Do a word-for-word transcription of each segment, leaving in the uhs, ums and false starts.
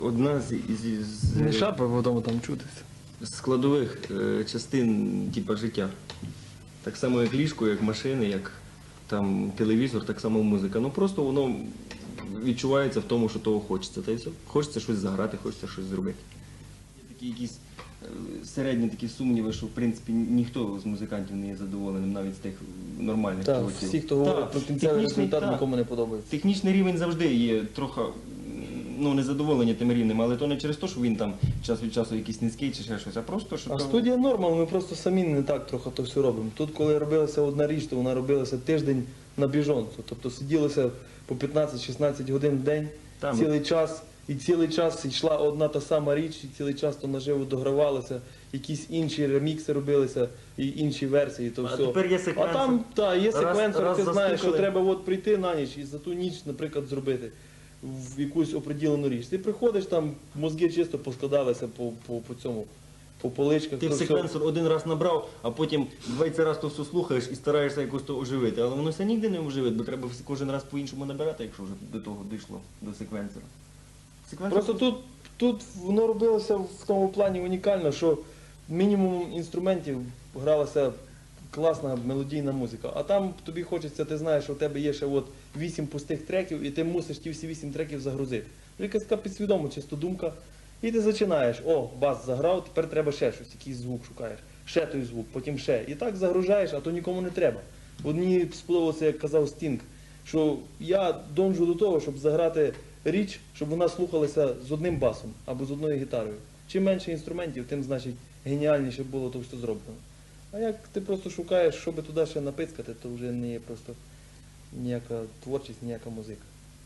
Одна з, із, з, Не шапа, потім там чутися. складових е, частин типу, життя. Так само, як ліжко, як машини, як там, телевізор, так само музика. Ну просто воно відчувається в тому, що того хочеться. Та й все. Хочеться щось заграти, хочеться щось зробити. Є такі якісь е, середні такі сумніви, що в принципі ніхто з музикантів не є задоволеним, навіть з тих нормальних Так, чуваків. всі, хто говорить Так, про кінцевий технічний, результат, так. нікому не подобається. Технічний рівень завжди є трохи ну, незадоволення тим рівнем, але то не через те, що він там час від часу якийсь низький чи ще щось, а просто, що А то... студія норма, ми просто самі не так трохи то все робимо. Тут, коли робилася одна річ, то вона робилася тиждень на біжонку. Тобто сиділося по п'ятнадцять-шістнадцять годин в день, Там. цілий час, і цілий час йшла одна та сама річ, і цілий час то наживо догравалося, якісь інші ремікси робилися, і інші версії, то А все. тепер є секвенсор. А там, так, є Раз- секвенсор, раз ти знаєш, що застукали. треба от прийти на ніч і за ту ніч, наприклад, зробити в якусь оприділену річ. Ти приходиш, там мозги чисто поскладалися по, по, по цьому, по поличках. Ти в то все. секвенсор один раз набрав, а потім двадцять раз то все слухаєш і стараєшся якось то оживити. Але воно все ніде не оживить, бо треба кожен раз по-іншому набирати, якщо вже до того дійшло, до секвенсора. Секвенсор Просто тут, тут воно робилося в тому плані унікально, що мінімум інструментів гралася класна мелодійна музика. А там тобі хочеться, ти знаєш, що у тебе є ще от вісім пустих треків, і ти мусиш ті всі вісім треків загрузити. Якась така підсвідома чисто думка. І ти починаєш, о, бас заграв, тепер треба ще щось, якийсь звук шукаєш, ще той звук, потім ще. І так загружаєш, а то нікому не треба. От мені сподобалося, як казав Стінг, що я донжу до того, щоб заграти річ, щоб вона слухалася з одним басом або з одною гітарою. Чим менше інструментів, тим, значить, геніальніше було то, що зроблено. А як ти просто шукаєш, щоб туди ще напицькати, то вже не є просто ніяка творчість, ніяка музика.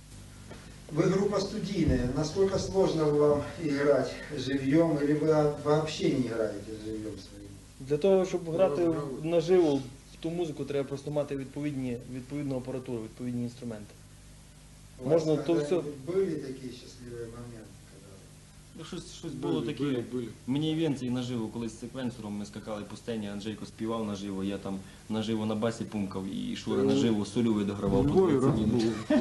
Вы группа студийная. Насколько сложно вам играть живьем, или вы вообще не играете живьем своим? Для того, щоб грати наживо в ту музику, треба просто мати відповідні, відповідну апаратуру, відповідні інструменти. У вас Можно то когда-нибудь всё- были такие счастливые моменты? Когда... Ну, щось, щось було Були, таке. були, були. Мені івенції наживо, колись з секвенсором ми скакали по сцені, Анджейко співав наживо, я там наживо на басі пумкав і Шура Ну, наживо сольовий У догравав по Львові двадцять раз минут. було.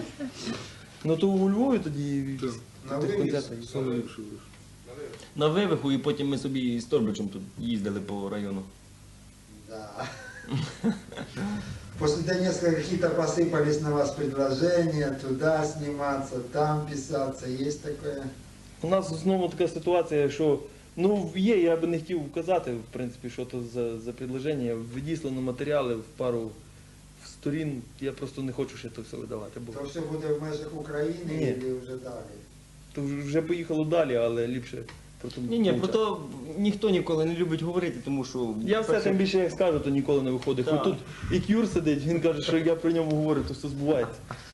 Ну то у Львові тоді Так. На тих вивіз? концертах. Саме ліпше вийшло. На вивиху і потім ми собі з Торбичем тут їздили по району. Да. После Донецка какие-то посыпались на вас предложения, туда сниматься, там писаться, есть такое? У нас знову така ситуація, що ну є, я би не хотів вказати, в принципі, що то за, за предложення. Відіслано матеріали в пару сторін, я просто не хочу ще то все видавати. Бо То все буде в межах України Ні. или вже далі? то вже поїхало далі, але ліпше про то Ні, ні, про мовчати. то ніхто ніколи не любить говорити, тому що... Я все тим більше як скажу, то ніколи не виходить. Так. Хоч тут і Кюр сидить, він каже, що я про ньому говорю, то все збувається.